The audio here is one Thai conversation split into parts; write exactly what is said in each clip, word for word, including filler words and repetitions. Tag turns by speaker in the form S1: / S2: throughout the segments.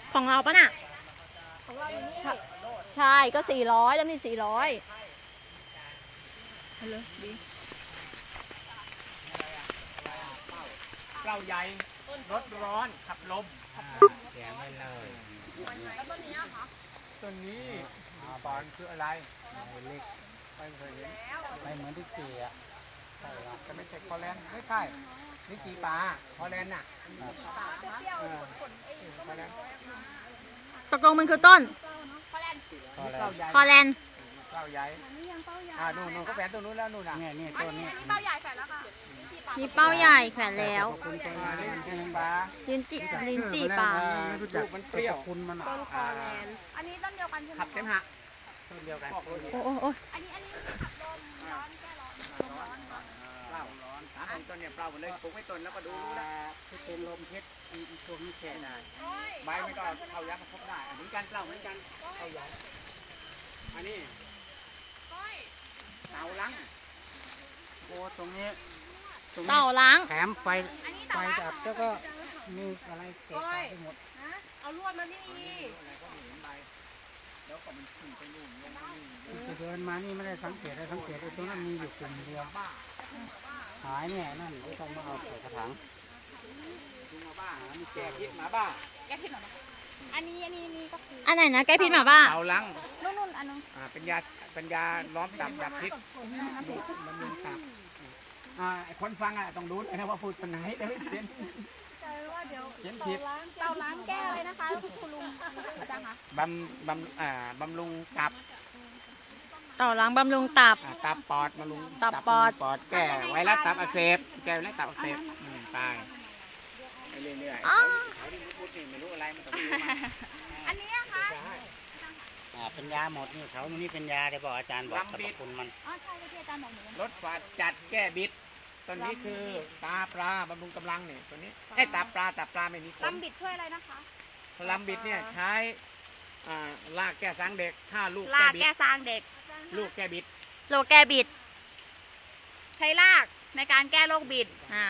S1: ของเราปะน่ะ
S2: ของเราอยู่นี่
S1: ใช่ก็สี่ร้อยแล้วมีสี่ร้อยเลยดี
S3: เปล่าใหญ่รถร้อนขับลมแถมไม่เลย
S2: แล้วต้นนี้อะคะ
S3: ต้นนี้บอนคืออะไรเล็กไม่เคยเห็นไม่เหมือนที่เกียใช่ละจะไม่ใช่คอแลนด์ไม่ใช่นี่กีปลาคอแลนด์น่ะ
S2: เปรี้ยวๆผลไอ้
S3: คอแลนด์
S1: ตกลงมันคือต้น
S2: คอแลนด์
S3: เปล่าใหญ่
S1: คอแลนด์
S3: เปล่าใหญ่
S2: นี่ยังเป้าใหญ่
S3: อ่านู่นนู่นก็แฝงตัวนู้นแล้วนู่นน่ะเนี่ยเนี่ย
S2: อัน
S3: ต้น
S2: นี้
S3: นี้
S2: อันนี้เป้าใหญ่แฝดแล้วค่ะ
S1: มีเป้าใหญ่แขวนแล้ว
S3: คุณตัวนี้ลิ้นจี่ปลา
S1: ลิ้นจีลิ้นจี่ปลา
S3: ลูกมันเปรี้ยวคุณมัน
S2: ต้นคอแลนด์อันนี้ต้นเดียวกันใช่ไหม
S3: ขับเต็มหักต้นเดียวกัน
S1: โอ้โอ้โอ้
S2: อันนี้อันนี้ขับลมร้อนแก้ร้อนร้อนร้อน
S3: เปล่าร้อนสามต้นเนี่ยเปล่าหมดเลยปลูกไม่ต้นแล้วก็ดูรู้นะที่เป็นลมเพชรอีกตัวนี้แค่ได้ใบไม่ก็เข้ายักษ์พบได้เหมือนกันเปล่าเหมือนกันเข้ายักษ์อันนี้เต่าลังโอ้ตรงนี้ตรงนี้
S1: เต่าล้าง
S3: แถมไฟไฟดับแล้วก็มีอะไรเกะกะไปหมด
S2: นะเอาลวดมานี่
S3: จะเดินมานี่ไม่ได้สังเกตได้สังเกตไอ้ตรงนั้นมีอยู่กลุ่มเดียวหายเนี่ยนั่นไม่ต้องมาเอาใส่กระถางลุงมาบ้าหามีแจกพิษหมาบ้า
S2: แก้พิษหน่อยอันนี้อันนี้นี่ก็คือ
S1: อันไหนนะแก้พิษหมาบ้า
S3: เต่าลัง
S2: นู่นนู่นอันนึง
S3: อ่าเป็นยาเป็นยาล้อมตับดับพิษบำรุงตับอ่าไอ้คนฟังอ่ะต้องรู้นะว่าพูดเป็นไหนเดี๋ยวเขียน
S2: ใจว่าเดี๋ยว
S3: เขียนผิด
S2: เตาล้างแก้อะไรนะคะคุณลุงอาจารย์คะ
S3: บำบำอ่าบำรุงตับ
S1: เต่าล้างบำรุงตับ
S3: อ่าตับปอดบำรุง
S1: ตับปอด
S3: ปอดแก้ไวรัสตับอักเสบแก้ไวรัสตับอักเสบอืมตายไปเรื่อยๆ
S1: อ๋อ
S3: เขาที่พูดนี่ไม่รู้อะไรมันต้องรู้มา
S2: อันนี้อะคะ
S4: อ่าเป็นยาหมดนี่เขามันนี่เป็นยาได้บอกอาจารย์บอกสรรพคุณมัน
S2: อ๋อใช่ที่อาจารย์บอกหนู
S3: รสฝาดจัดแก้บิดตัวนี้คือตาปลาบำรุงกำลังเนี่ยตัวนี้ไอ้ตาปลาตาปลาไม่มีขน
S2: ลำบิดช่วยอะไรนะคะ
S3: ลำบิดเนี่ยใช้อ่าลากแก้สังเด็กถ้าลูก
S2: ลา
S3: แก้
S2: ก
S3: บิด
S2: แก้ซางเด็ก
S3: ลูกแก้บิด
S1: โลแก้บิด
S2: ใช้ลากในการแก้โรคบิด
S1: อ่า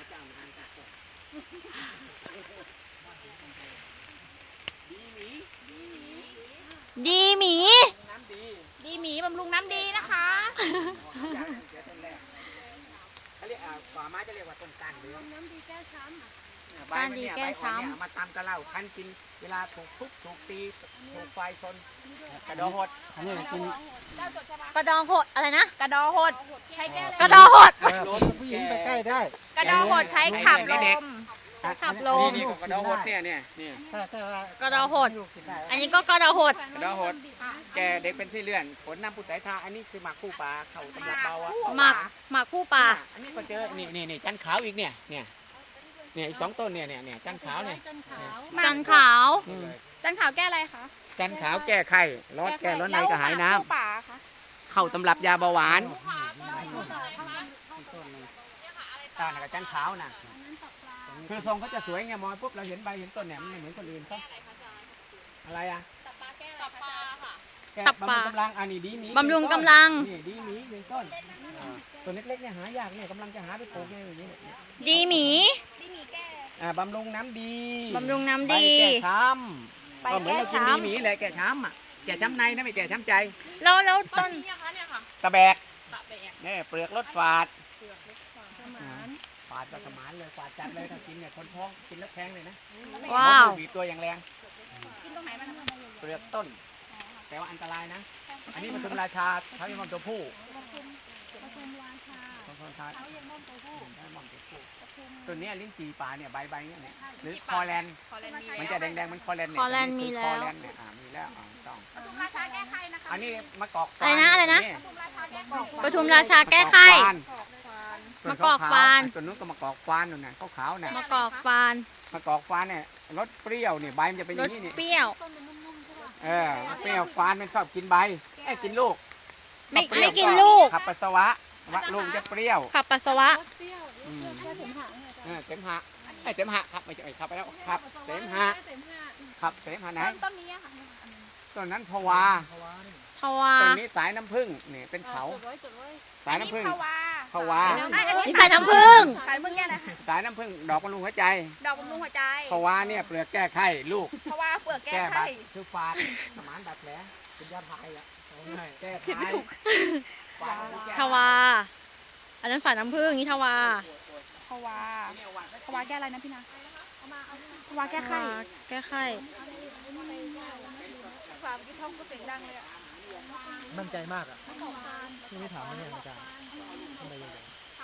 S1: ดีหมี
S3: น้ำดี
S2: ดีหมีบำรุงน้ำดีนะคะ
S3: อย่างเสียต้นแรกเขาเรียกอ่าป่าไม้จะเรียกว่าต้นก้านเดือน
S2: น้ำดีแก้ช้ำ
S1: การดีแก้ช้ำ
S3: ใบมันเนี่ยเอามาตำกระเหล่าคั้นกินเวลาถูกทุบถูกตีถูกไฟชนกระโดดหดอันนี้กิน
S2: เจ้าจดใช่ปะ
S1: กระดองหดอะไรนะ
S2: กระดอหดใช้แก้อะไร
S1: กระดองหด
S3: ผู้หญิงไปใกล้ได้
S2: กระดอหดใช้ขับลม
S1: ขับลม
S3: นี่ก็กระโดดหดเนี่ยเนี่ยเนี่ย
S4: ถ้าถ้าว่าก
S1: ระดองหด อันนี้ก็กระดองหด
S3: กระโดดหดแกเด็กเป็นที่เลื่อนผลน้ำผู้สายทาอันนี้คือหมากคู่ปลาเข่าตำรับเบาอะ
S1: หมากหมากคู่ป่า
S3: อันนี้ก็เจอนี่นี่นี่จันขาวอีกเนี่ยเนี่ยเนี่ยอีกสองต้นเนี่ยเนี่ยเนี่ยจันขาวเนี่ย
S1: จันขาว
S3: อืม
S2: จันขาวแก้อะไรคะ
S3: จันขาวแก้ไข้ร้อนแก้ร้อนในกระหายน้ำ
S2: แล้วหมกคู่ป่าคะ
S3: เข้าตำรับยาเบาหวานตาหนักจันขาวนะคือทรงเขาจะสวยไงมองปุ๊บเราเห็นใบเห็นต้นเนี่ยมันไม่เหมือนคนอื่นเขาอะไรอ่ะ
S2: ตับปลาค่ะ
S3: แก้บำรุงกำลังอันนี้ดีหมี
S1: บำรุงกำลัง
S3: นี่ดีหมีหนึ่งต้นอ่าตัวเล็กๆเนี่ยหายากเนี่ยกำลังจะหาไปปลูกเนี่ยอย่างนี้เนี่ย
S1: ดีหมี
S2: ดีหมีแก้
S3: อ่าบำรุงน้ำดี
S1: บำรุงน้ำดี
S3: ใบแก้ช้
S2: ใบ
S3: ำก็เหมือน
S2: แก้
S3: เรากิน
S2: ช้ำ
S3: ดีหมีแหละแก้ช้ำอ่ะแก้ช้ำในนะไม่แก้ช้ำใจ
S1: แล้วแล้วต้น
S3: ตะแบกเนี่ยเปลือกรสฝาดฝาดประสมานเลยฝาดจัดเลยถ้ากินเนี่ยคนท้องกินแล้วแทงเลยนะ
S1: ว้าว
S3: มดลูกบีบตัวอย่างแรง
S2: กินตรงไหนมันนะคะ
S3: เปลือกต้น แต่ว่าอันตรายนะ อันนี้มันเป็นราชาเขาเรียกว่าตัวผู้
S2: ปทุมราชา
S3: ตัวผู้ชา
S2: เขาเรียกว่าตัวผู้
S3: ได้มองตัวผู้ตัวเนี้ยลิ้นจี่ป่าเนี่ยใบใบเนี่ยเนี่ยหรือคอแลนด์
S2: คอเลนมี
S3: มันจะแดงๆมันคอแลนด์เนี่ย
S1: คอแลนด์มีแล้ว
S3: คอแลนด์เนี่ยอ่ามีแล้วอ่าต้อง
S2: ปทุมราชาแก้ไขนะคะ
S3: อันนี้มะกอก
S1: อะไรนะอะไรนะ
S2: ปทุมราชาแก้ไข
S1: ปทุมราชาแก้ไข้
S3: มะ
S1: มะกอกฟาน
S3: ตัวนู้นก็มะกอกฟานนู่นน่ะขาวๆเนี่ย
S1: มะกอกฟาน
S3: มะกอกฟานเนี่ยรสเปรี้ยวเนี่ยใบมันจะเป็นอ
S1: ร
S3: ย่า
S1: ส
S3: งนี้นี่
S1: เปรี้ยว
S3: เออเปรี้ยวฟานมันชอบกินใบไอ้ยกินลูก
S1: ไม่
S3: เปรี้ยว
S1: ไม่กินลูก
S3: ขับปัสสาวะวะลูกจะเปรี้ยว
S1: ขับปัสสาวะ
S3: อืมเออเสมหะไอ้ยเสมหะครับไม่ใช่เอ้ยขับไปแล้วครับเสมหะครับเสมหะไหน
S2: ต้นต้นนี้อะค่ะ
S3: ต้นนั้นพวา
S1: ทวา
S3: ต้นนี้สายน้ำผึ้งเนี่ยเป็นเขาสาย
S2: อันนี้
S3: น้ำผึ้ง
S2: ภาวา
S3: ภาวะ
S1: นี่สายน้ำผึ้ง
S2: สายมึงแก้อะไรคะ
S3: สายน้ำผึ้งดอกบำรุงหัวใจ
S2: ดอกบำรุงหัวใจ
S3: ภาวะเนี่ยเปลือกแก้ไข้ลูก
S2: เพราะว่าเปลือกแก้
S3: แก้บา
S2: ไข้
S3: ดคือฟาดสมานบาดแผลเป็นยาพายอ่ะแก้ไข้ฟาดแก้
S1: ทวา อันนั้นสายน้ำผึ้งนี่ทวา
S2: ภาวะภาวะแก้อะไรนะพี่นาภาวะแก้ไข้
S1: ทวาแก้ไข้
S2: ฝาเมื่อกี้ท้องก็เสียงดังเลยอะ
S5: มั่นใจมากอ่ะที่ไม่ถามไม่เนี่ยอาจารย์ทำไมยังไง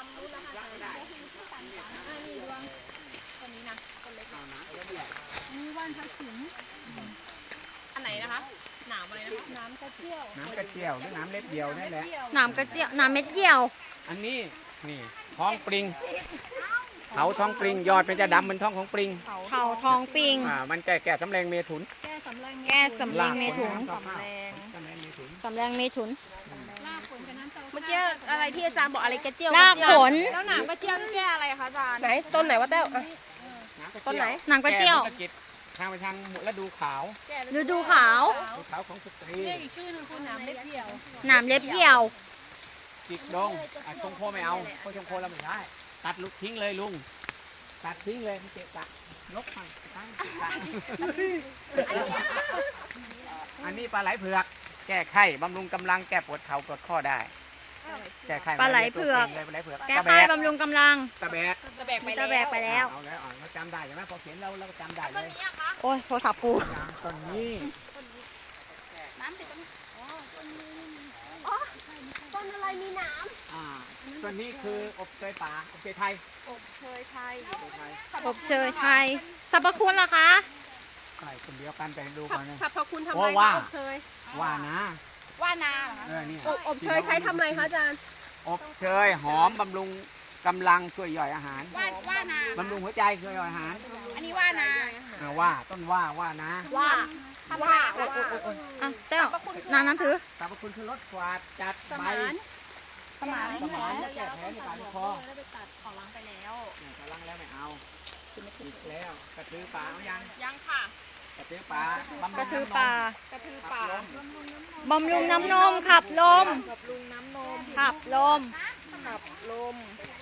S2: อันไหนนะคะหนามอะไรนะคะน้ำกระเจี๊ยว
S3: น้ำกระเจียวหรือน้ำเล็บเดียวนี่แหละ
S1: น้ำกระเจียวน้ำเม็ดเยี่ยว
S3: อันนี้นี่ท้องปริงเขาท้องปริงยอดเป็นจะดำเหมือนท้องของปริง
S1: เข่าทองปิง
S3: อ่ามันแก้แก้สำแรงเมถุน
S2: แก้สำลัก
S1: แก้สำเร็งเมถุน
S3: สำแรงสำแรงเมถุน
S1: สำแรงเมถุน
S2: เมื่อกี้อะไรที่อาจารย์บอกอะไรกระเจี๊ยว
S1: รากผล
S2: แล้วหนามกระเจี๊ยวนี่แก้อะไรคะอาจารย์ไหนต้นไหนวะแต้ว ต้นไหน
S1: น้ำกระเจียว
S3: แก้มะกิดทางไปทางฤดูขาว
S1: ฤดูขาว
S3: ฤดูขาวของสตรี
S2: อีกชื่อหนึงคือหนามเล็บเดี่ยว
S1: น้ำเล็บเยี่ยว
S3: จิกดงอ่ะชงโคไม่เอาเพราะชงโคเราไม่ได้ตัดลุกทิ้งเลยลุงตัดทิ้งเลยมันเจ็บปะนกมันตั้งเจ็บปะอันนี้ปลาไหลเผือก แก้ไข้บำรุงกำลังแก้ปวดเข่าปวดข้อได้ แก้ไข้
S1: ปลาไหลเผือก
S3: เลยปลาไหลเผือก
S1: แก้
S3: ตะแบ
S1: ไข้
S3: ก
S1: บำรุงกำลัง
S3: ตะแบก
S2: ตะแบกไป
S1: ตะแบกไปแล้ว
S3: เอาแล้วอ่ะเราจำได้ใช่ไหมพอเขียนเราเราก็จำได้เลย
S1: โอ้ยโทรศัพท์กู
S3: ต้นนี้
S2: น้ำติดตรงนี้อ๋อต้นอะไรมีหนาม
S3: อ่าต้นนี้คืออบเชยป่าอบเชยไทย
S2: อบเชยไทย
S3: อบเชยไทย
S1: อบเชยไทยสรรพคุณล่ะคะ
S3: ใช่คนเดียวกันแต่ดู
S2: สร
S3: ก่อนนะ
S2: รพคุณทำ
S3: โอ้
S2: ไม
S3: ว่า
S2: คะอบเชย
S3: ว่านะ
S2: ว่านาเหรอคะ
S3: เออนี่
S2: อบอบเชยใช้ทำอะไรคะอาจารย์
S3: อบเชยหอมบำรุงกำลังช่วยย่อยอาหาร
S2: ว่าว่านา
S3: บำรุงหัวใจช่วยย่อยอาหาร
S2: อันนี้ว่านา
S3: อ่าว่าต้นว่าว่านะ
S2: ว่าว่า
S1: อ่ะเต้วน้ำน้ำถือ
S3: สรรพคุณคือลดฝาดจัด
S2: ส
S3: ใบ
S2: มานสมาน
S3: สมานและแก้แผลในปากในคอ
S2: แล้วไปตัดขอล้างไปแล้ว
S3: เนี่ยกำลังแล้วไม่เอาอีกแล้วกระตือป่าเอายัง
S2: ยังค่ะ
S3: กระตือป่าบำรุง
S1: กระทือป่า
S2: กระทือ
S3: ป่า
S2: ป่า
S1: บำรุงน้ำนมขับลม
S2: กับลุงน้ำนม
S1: ขับลม
S2: ขับลม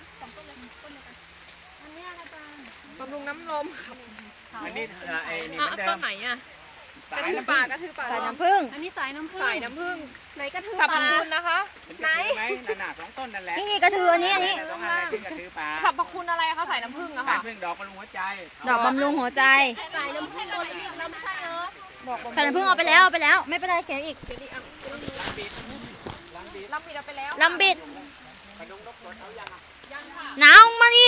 S2: บำรุงน้ำนม
S3: อันนี้เอ่อไอ้นี่เหมือนเดิม
S2: อ่ะ
S3: สาย
S2: กระทือ
S3: น้ำผึ้
S2: ป่าง กระทือป่า
S1: สายน้ำผึ้ง
S2: อันนี้สายน้ำผึ้งสายน้ำผึ้งไหนกระทือ
S3: สรรพ
S2: ป่า
S3: คุณ
S2: นะคะ
S3: ไหนไหมนั่นน่ะสองต้นนั่นแหละ
S1: นี่นี่กระทืออันนี้อันนี้
S3: สองอันเลยที่กระตือป่า
S2: สรรพคุณอะไรคะสายน้ำผึ้งอะ
S3: สาย
S2: ค่ะ
S3: พึ่งดอกบำรุงหัวใจ
S1: ดอกบำรุงหัวใจ
S2: สายน้ำผึ้งเราเรียกเราไม่ใช่เนอะบอก
S1: สายน้ำผึ้งเอาไปแล้วเอาไปแล้ว ไม่เป็นไรเขียนอีก
S2: ลำผิดเอาไปแล้ว
S1: ลำบิดหนาวมาดิ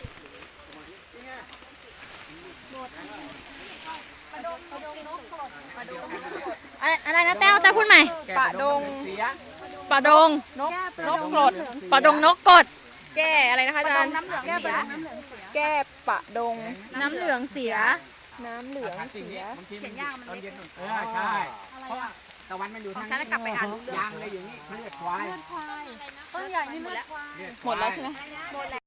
S1: อะไรอะไรนะแต้วแต้วพูดใหม่
S3: ปะดงเสีย
S1: ปลาดง
S2: นกนกกรด
S1: ปลาดงนกกด
S2: แก้อะไรนะคะอาจารย์แก้ปะแก้ปะดง
S1: น้ำเหลืองเสีย
S2: น้ำเหลือง
S3: เสียบางทีมันตอนเย็นเออใช่เพราะว่าตะวันมันอยู่ทาง
S2: ฉันจะกลับไปอ่าน
S3: ยางเลยอยู่นี่เขาเลือดควาย
S2: ต้นใหญ่นี่เลือดควาย
S3: เลือด
S2: หมดแล้วใช่ไหม
S3: ควาย